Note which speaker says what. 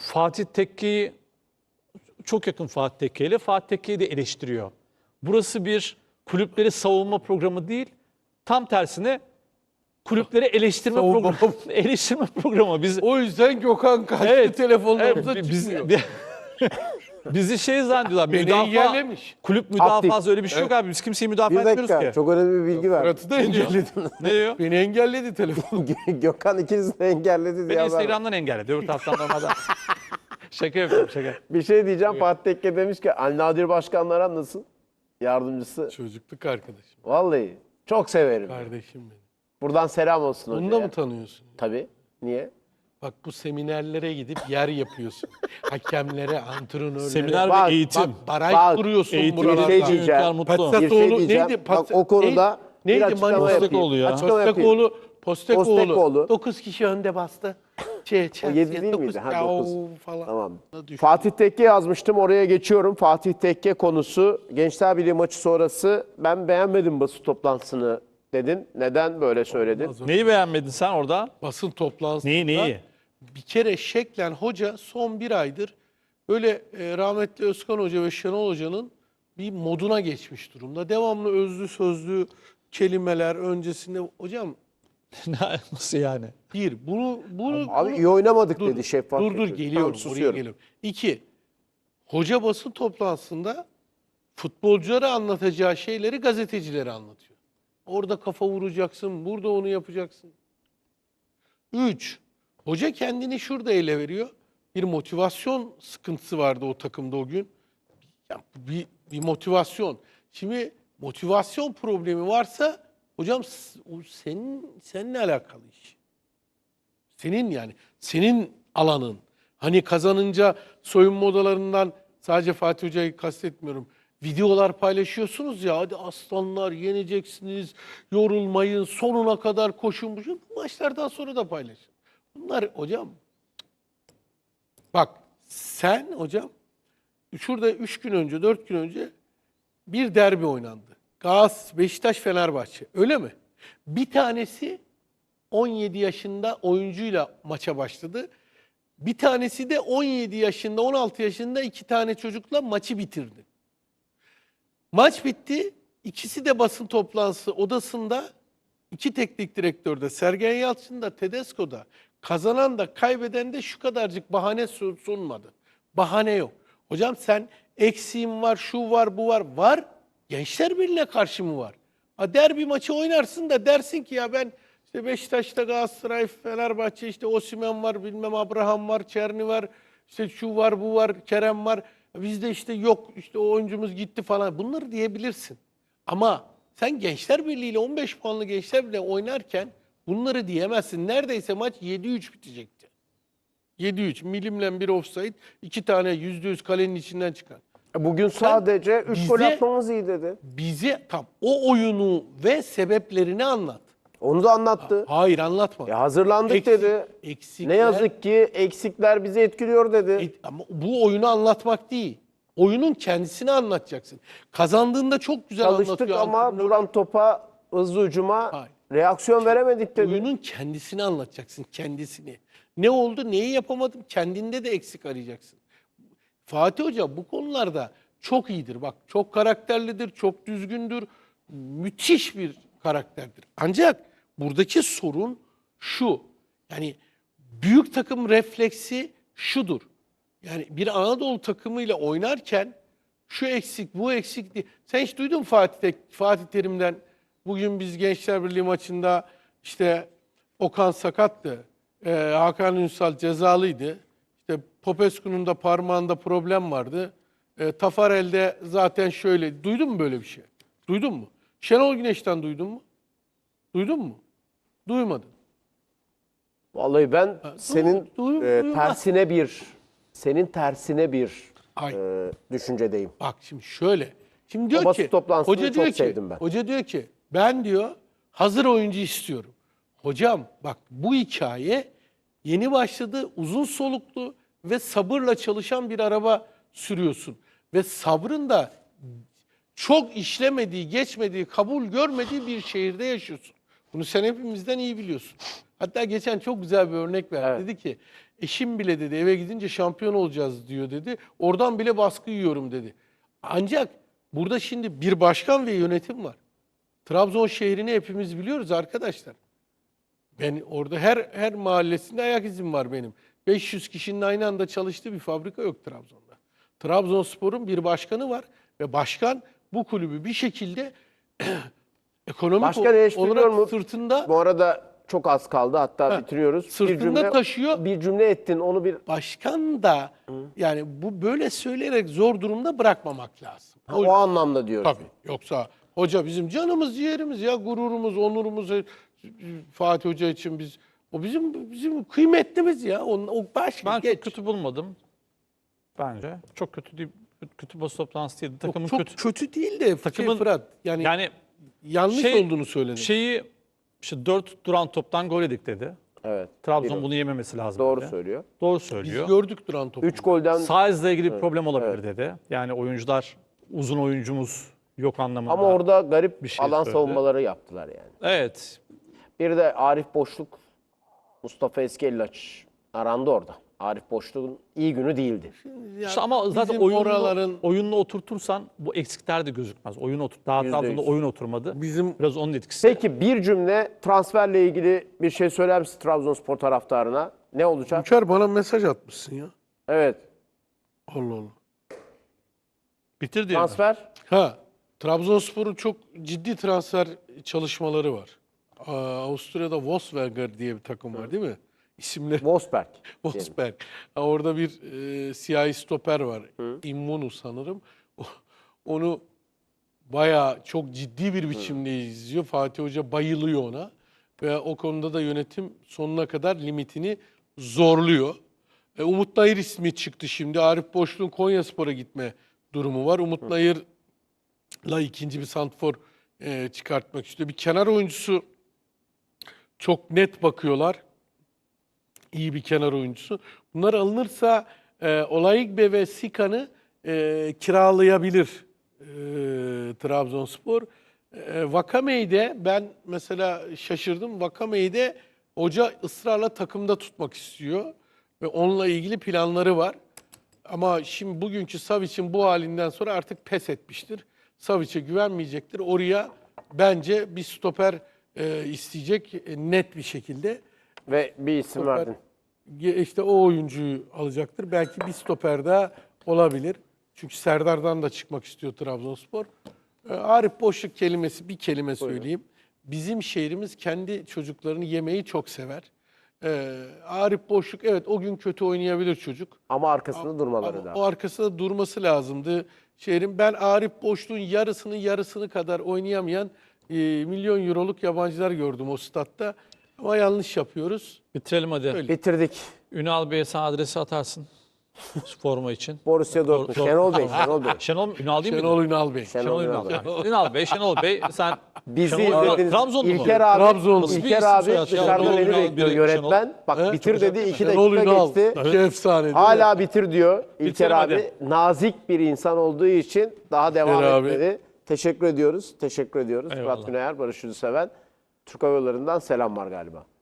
Speaker 1: Fatih Tekke'yi çok yakın Fatih Tekke ile Fatih Tekke'yi de eleştiriyor. Burası bir kulüpleri savunma programı değil. Tam tersine kulüpleri eleştirme programı. Eleştirme programı. Biz
Speaker 2: O yüzden Gökhan kaçtı,
Speaker 1: evet,
Speaker 2: telefonlarımıza
Speaker 1: evet,
Speaker 2: çıkmıyor.
Speaker 1: bizi şey zannediyorlar.
Speaker 2: Beni engellemiş.
Speaker 1: Kulüp müdafası
Speaker 3: Aktif.
Speaker 1: öyle bir şey yok abi. Biz kimseyi müdafaa
Speaker 3: Bir
Speaker 1: etmiyoruz
Speaker 3: dakika,
Speaker 1: ki.
Speaker 3: çok önemli bir bilgi ver.
Speaker 2: Fırat'ı da engelledin.
Speaker 1: Ne diyor?
Speaker 2: Beni engelledi telefon.
Speaker 3: Gökhan ikinizi de engelledi diye
Speaker 1: Beni
Speaker 3: haber var.
Speaker 1: Instagram'dan engelledi. Öbür taraftan normalden. Şaka yapıyorum şaka.
Speaker 3: Bir şey diyeceğim, Fatih Tekke demiş ki Ali Nadir Başkanlar nasıl? Yardımcısı.
Speaker 2: Çocukluk arkadaşım.
Speaker 3: Vallahi çok severim.
Speaker 2: Kardeşim benim.
Speaker 3: Buradan selam olsun
Speaker 2: Onu da
Speaker 3: hocaya.
Speaker 2: mı tanıyorsun?
Speaker 3: Tabii. Niye?
Speaker 2: Bak bu seminerlere gidip yer yapıyorsun. Hakemlere, antrenörlere.
Speaker 1: Seminer
Speaker 3: Bak,
Speaker 1: ve eğitim.
Speaker 2: Baraj
Speaker 3: Bak,
Speaker 2: kuruyorsun
Speaker 1: eğitim,
Speaker 2: buralarda.
Speaker 3: bir şey diyeceğim.
Speaker 1: Çocuklar mutlu.
Speaker 3: Bir
Speaker 2: Patsatoğlu
Speaker 3: şey diyeceğim.
Speaker 2: neydi?
Speaker 3: Bak, o konuda bir açıklama
Speaker 2: Manifest-
Speaker 3: yapayım.
Speaker 1: Postekoğlu ya.
Speaker 3: Açıklama yapayım.
Speaker 2: Postekoğlu.
Speaker 3: Postekoğlu.
Speaker 2: 9 kişi önde bastı.
Speaker 3: O 7 değil miydi? Ha, 9.
Speaker 2: Falan.
Speaker 3: Tamam.
Speaker 2: Düşün.
Speaker 3: Fatih Tekke yazmıştım, oraya geçiyorum. Fatih Tekke konusu. Gençler Birliği maçı sonrası ben beğenmedim basın toplantısını dedin. Neden böyle söyledin?
Speaker 1: Neyi beğenmedin sen orada?
Speaker 2: Basın toplantısında.
Speaker 1: Neyi?
Speaker 2: Bir kere şeklen hoca son bir aydır böyle rahmetli Özkan Hoca ve Şenol Hoca'nın bir moduna geçmiş durumda. Devamlı özlü sözlü kelimeler öncesinde. Hocam
Speaker 1: Nasıl yani?
Speaker 2: bunu
Speaker 3: Abi iyi oynamadık
Speaker 2: dur,
Speaker 3: dedi şeffaf.
Speaker 2: dur
Speaker 3: dedi.
Speaker 2: geliyorum,
Speaker 3: Tamam,
Speaker 2: oraya
Speaker 3: susuyorum.
Speaker 2: geliyorum. 2. Hoca basın toplantısında futbolculara anlatacağı şeyleri gazetecilere anlatıyor. Orada kafa vuracaksın, burada onu yapacaksın. 3. Hoca kendini şurada ele veriyor. Bir motivasyon sıkıntısı vardı o takımda o gün. Ya bir motivasyon. Şimdi motivasyon problemi varsa hocam o seninle alakalı iş. Senin alanın. Hani kazanınca soyunma odalarından sadece Fatih Hoca'yı kastetmiyorum. Videolar paylaşıyorsunuz ya, hadi aslanlar yeneceksiniz, yorulmayın, sonuna kadar koşun. Bu maçlardan sonra da paylaşın. Bunlar hocam, bak sen hocam şurada 3 gün önce, 4 gün önce bir derbi oynandı. Beşiktaş Fenerbahçe, öyle mi? Bir tanesi 17 yaşında oyuncuyla maça başladı. Bir tanesi de 17 yaşında, 16 yaşında 2 tane çocukla maçı bitirdi. Maç bitti. İkisi de basın toplantısı odasında, 2 teknik direktörde, Sergen Yalçın da, Tedesco da, kazanan da kaybeden de şu kadarcık bahane sunmadı. Bahane yok. Hocam sen eksiğim var, şu var, bu var. Var. Gençler Birliği'ne karşı mı var? Derbi maçı oynarsın da dersin ki ya ben işte Beşiktaş'ta, Galatasaray, Fenerbahçe, işte Osimhen var, bilmem Abraham var, Çerni var, işte şu var, bu var, Kerem var. Bizde işte yok, işte o oyuncumuz gitti falan. Bunları diyebilirsin. Ama sen Gençler Birliği ile 15 puanlı Gençler Birliği oynarken bunları diyemezsin. Neredeyse maç 7-3 bitecekti. 7-3. Milimle bir offside, 2 tane %100 kalenin içinden çıkan.
Speaker 3: Bugün sadece 3 gol
Speaker 2: bize-
Speaker 3: atmamız iyi dedi.
Speaker 2: Bize tam o oyunu ve sebeplerini anlat.
Speaker 3: Onu da anlattı.
Speaker 2: Hayır, anlatma.
Speaker 3: Hazırlandık dedi. Ne yazık ki eksikler bizi etkiliyor dedi.
Speaker 2: Ama bu oyunu anlatmak değil. Oyunun kendisini anlatacaksın. Kazandığında çok güzel
Speaker 3: Çalıştık
Speaker 2: anlatıyor.
Speaker 3: ama
Speaker 2: antrenör.
Speaker 3: duran topa, hızlı hücuma
Speaker 2: Hayır.
Speaker 3: reaksiyon veremedik dedi.
Speaker 2: Oyunun kendisini anlatacaksın, kendisini. Ne oldu, neyi yapamadım, kendinde de eksik arayacaksın. Fatih Hoca bu konularda çok iyidir. Bak, çok karakterlidir, çok düzgündür, müthiş bir karakterdir. Ancak buradaki sorun şu, yani büyük takım refleksi şudur. Yani bir Anadolu takımıyla oynarken şu eksik, bu eksik diye. Sen hiç duydun mu Fatih Terim'den? Bugün biz Gençler Birliği maçında işte Okan sakattı, Hakan Ünsal cezalıydı. İşte Popescu'nun da parmağında problem vardı. Tafarel'de zaten şöyle. Duydun mu böyle bir şey? Duydun mu? Şenol Güneş'ten duydun mu? Duydun mu? Duymadın.
Speaker 3: Vallahi ben senin
Speaker 2: duymaz.
Speaker 3: senin tersine bir
Speaker 2: Ay.
Speaker 3: düşüncedeyim.
Speaker 2: Bak şimdi şöyle. Şimdi diyor
Speaker 3: basın
Speaker 2: ki,
Speaker 3: toplantısını
Speaker 2: hoca
Speaker 3: çok
Speaker 2: diyor ki,
Speaker 3: sevdim ben.
Speaker 2: hoca diyor ki ben diyor hazır oyuncu istiyorum. Hocam bak bu hikaye yeni başladı, uzun soluklu ve sabırla çalışan bir araba sürüyorsun. Ve sabrın da çok işlemediği, geçmediği, kabul görmediği bir şehirde yaşıyorsun. Bunu sen hepimizden iyi biliyorsun. Hatta geçen çok güzel bir örnek verdi.
Speaker 3: Evet.
Speaker 2: Dedi ki Eşim bile dedi eve gidince şampiyon olacağız diyor dedi. Oradan bile baskı yiyorum dedi. Ancak burada şimdi bir başkan ve yönetim var. Trabzon şehrini hepimiz biliyoruz arkadaşlar. Ben orada her mahallesinde ayak izim var benim. 500 kişinin aynı anda çalıştığı bir fabrika yok Trabzon'da. Trabzonspor'un bir başkanı var ve başkan bu kulübü bir şekilde ekonomik
Speaker 3: Başkan eleştiriyor
Speaker 2: olarak
Speaker 3: mu?
Speaker 2: sırtında
Speaker 3: Bu arada çok az kaldı, hatta bitiriyoruz.
Speaker 2: sırtında taşıyor.
Speaker 3: Bir cümle ettin, onu bir...
Speaker 2: Başkan da yani bu böyle söyleyerek zor durumda bırakmamak lazım.
Speaker 3: O anlamda diyoruz.
Speaker 2: Tabii. Yoksa hoca bizim canımız, ciğerimiz ya, gururumuz, onurumuz. Fatih Hoca için o bizim kıymetlimiz ya. O başka
Speaker 1: Ben
Speaker 2: geç.
Speaker 1: çok kötü bulmadım. Bence. Çok kötü değil. Kötü basın toplantısı değildi. Takımın
Speaker 2: Çok
Speaker 1: kötü.
Speaker 2: kötü değil de
Speaker 1: Takımın-
Speaker 2: Fırat. Yani yanlış olduğunu söyledim.
Speaker 1: İşte 4 duran toptan gol yedik dedi.
Speaker 3: Evet.
Speaker 1: Trabzon bunu yememesi lazım
Speaker 3: Doğru
Speaker 1: dedi.
Speaker 3: söylüyor.
Speaker 1: Doğru
Speaker 2: Biz
Speaker 1: söylüyor.
Speaker 2: gördük duran topu.
Speaker 3: 3 golden
Speaker 1: Size'la ilgili bir problem olabilir dedi. Yani oyuncular, uzun oyuncumuz yok anlamında.
Speaker 3: ama orada garip
Speaker 1: bir şey
Speaker 3: alan
Speaker 1: söyledi.
Speaker 3: savunmaları yaptılar yani.
Speaker 1: Evet.
Speaker 3: Bir de Arif Boşluk, Mustafa Eskellaç arandı orada. Arif Boşluk'un iyi günü değildi.
Speaker 2: Ya
Speaker 1: İşte ama zaten
Speaker 2: bizim oraların
Speaker 1: oyunla oturtursan bu eksikler de gözükmez. Daha
Speaker 3: %100.
Speaker 1: Trabzon'da oyun oturmadı.
Speaker 2: bizim
Speaker 1: Biraz onun etkisi.
Speaker 3: Peki bir cümle transferle ilgili bir şey söyler misin Trabzonspor taraftarına? Ne olacak?
Speaker 2: Hünkar bana mesaj atmışsın ya.
Speaker 3: Evet.
Speaker 2: Allah Allah.
Speaker 1: Bitir diyelim.
Speaker 3: Transfer.
Speaker 2: Trabzonspor'un çok ciddi transfer çalışmaları var. Avusturya'da Wolfsberger diye bir takım var değil mi? İsimleri
Speaker 3: Wolfsberg.
Speaker 2: Wolfsberg. Orada bir siyahi stoper var. Immonu sanırım. Onu bayağı çok ciddi bir biçimde izliyor. Fatih Hoca bayılıyor ona. Ve o konuda da yönetim sonuna kadar limitini zorluyor. Umut Nayır ismi çıktı şimdi. Arif Boşluğ'un Konyaspor'a gitme durumu var. Umut Nayır'la ikinci bir santrfor çıkartmak istiyor. Bir kenar oyuncusu çok net bakıyorlar. İyi bir kenar oyuncusu. Bunlar alınırsa Olaigbe ve Sikan'ı kiralayabilir Trabzonspor. Vakame'yi de ben mesela şaşırdım. Vakame'yi de hoca ısrarla takımda tutmak istiyor. Ve onunla ilgili planları var. Ama şimdi bugünkü Savic'in bu halinden sonra artık pes etmiştir. Savic'e güvenmeyecektir. Oraya bence bir stoper isteyecek net bir şekilde.
Speaker 3: Ve bir isim
Speaker 2: Stoper.
Speaker 3: verdin.
Speaker 2: İşte o oyuncuyu alacaktır. Belki bir stoper daha olabilir. Çünkü Serdar'dan da çıkmak istiyor Trabzonspor. Arif Boşluk kelimesi, bir kelime söyleyeyim. Bizim şehrimiz kendi çocuklarını yemeyi çok sever. Arif Boşluk evet o gün kötü oynayabilir çocuk.
Speaker 3: Ama arkasında durmaları
Speaker 2: Ama
Speaker 3: lazım.
Speaker 2: o arkasında durması lazımdı. Şehrin ben Arif Boşluk'un yarısını kadar oynayamayan milyon euroluk yabancılar gördüm o statta. Ama yanlış yapıyoruz.
Speaker 1: Bitirelim hadi.
Speaker 2: Öyle.
Speaker 3: Bitirdik.
Speaker 1: Ünal Bey'e sen adresi atarsın. Forma için.
Speaker 3: Borussia Dortmund. Şenol Bey, Şenol Bey.
Speaker 1: Ünal değil mi?
Speaker 2: Şenol Ünal Bey.
Speaker 3: Şenol
Speaker 1: Ünal.
Speaker 3: Ünal.
Speaker 1: Şenol Bey sen
Speaker 3: Bizi
Speaker 1: Şenol-
Speaker 3: izlediniz.
Speaker 1: Trabzonlu mu?
Speaker 3: İlker abi,
Speaker 2: Trabzonlu.
Speaker 1: Bir
Speaker 3: İlker
Speaker 1: isim
Speaker 3: abi
Speaker 1: soyad.
Speaker 3: dışarıda
Speaker 1: Şenol
Speaker 3: beni
Speaker 1: Ünal,
Speaker 3: bekliyor
Speaker 1: biri
Speaker 3: yönetmen. Bak
Speaker 2: He?
Speaker 3: bitir dedi, 2
Speaker 2: Şenol
Speaker 3: dakika
Speaker 2: Ünal.
Speaker 3: geçti.
Speaker 2: İki efsane değil mi?
Speaker 3: Hala bitir diyor. İlker
Speaker 1: Bitirelim
Speaker 3: abi nazik bir insan olduğu için daha devam
Speaker 2: İlker abi.
Speaker 3: etmedi. Teşekkür ediyoruz. Teşekkür ediyoruz.
Speaker 1: Eyvallah.
Speaker 3: Fırat Güneyer, Barış Ülseven. Türk Hava Yolları'ndan selam var galiba.